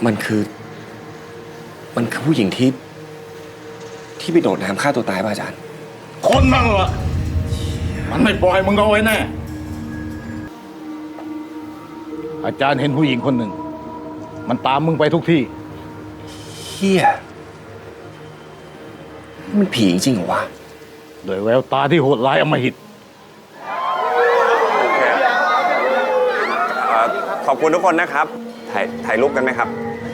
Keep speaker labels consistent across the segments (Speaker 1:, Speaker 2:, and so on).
Speaker 1: มันคือผู้หญิงที่ไปโดดน้ำฆ่าตัวตายป่ะอาจารย์
Speaker 2: คนนั่นล่ะมันไม่ปล่อยมึงเอาไว้แน่อาจารย์เห็นผู้หญิงคนหนึ่งมันตามมึงไปทุกที่
Speaker 1: เฮียมันผีจริงเหรอวะ
Speaker 2: โดยแววตาที่โหดร้ายอำมหิต
Speaker 3: ขอบคุณทุกคนนะครับถ่ายรูปกันไหมครับ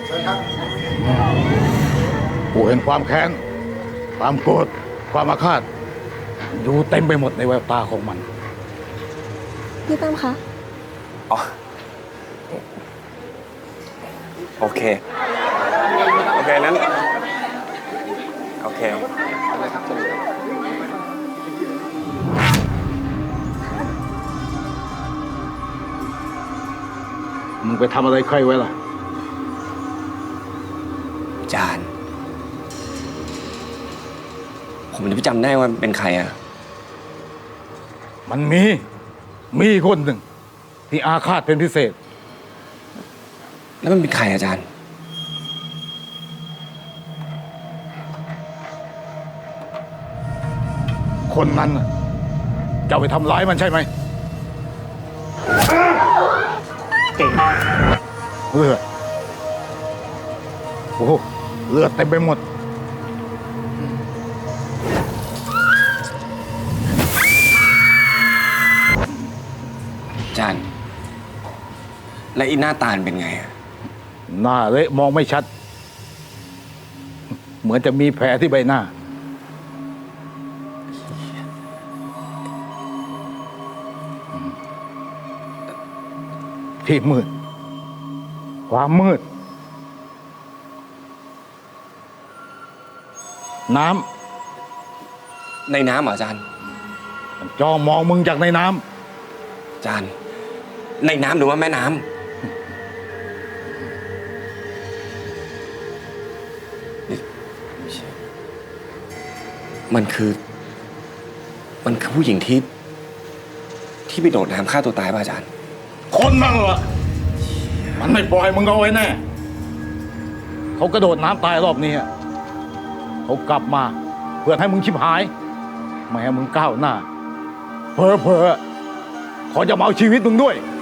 Speaker 2: กูเห็นความแค้นความโกรธความอาฆาตอยู่เต็มไปหมดในแววตาของมัน
Speaker 4: พี่ตั้มคะ
Speaker 3: อ๋อโอเคนั้นโอเค
Speaker 2: มึงไปทำอะไรใครไว้ล่ะ
Speaker 1: อาจารย์ผมจะไปจำได้ว่าเป็นใครอะ
Speaker 2: มันมีคนหนึ่งที่อาฆาตเป็นพิเศษ
Speaker 1: แล้วมันเป็นใครอาจารย์
Speaker 2: คนนั้นจะไปทำร้ายมันใช่ไหมเก่งเลือดโอ้โหเลือดเต็มไปหมด
Speaker 1: อาจารย์และอีหน้าตาเป็นไงอะ
Speaker 2: หน้าเละมองไม่ชัดเหมือนจะมีแผลที่ใบหน้าที่มืดความมืดน้
Speaker 1: ในน้ำเหรออาจารย์
Speaker 2: จ้องมองมึงจากในน้
Speaker 1: ำอาจารย์ในน้ำหรือว่าแม่น้ำมันคือผู้หญิงที่ไปโดดน้ำฆ่าตัวตายป่ะอาจารย์
Speaker 2: คนนั่นล่ะมันไม่ปล่อยมึงเอาไว้แน่เขากระโดดน้ำตายรอบนี้เขากลับมาเพื่อให้มึงชิบหายไม่ให้มึงก้าวหน้าเผลอเขาจะมาเอาชีวิตมึงด้วย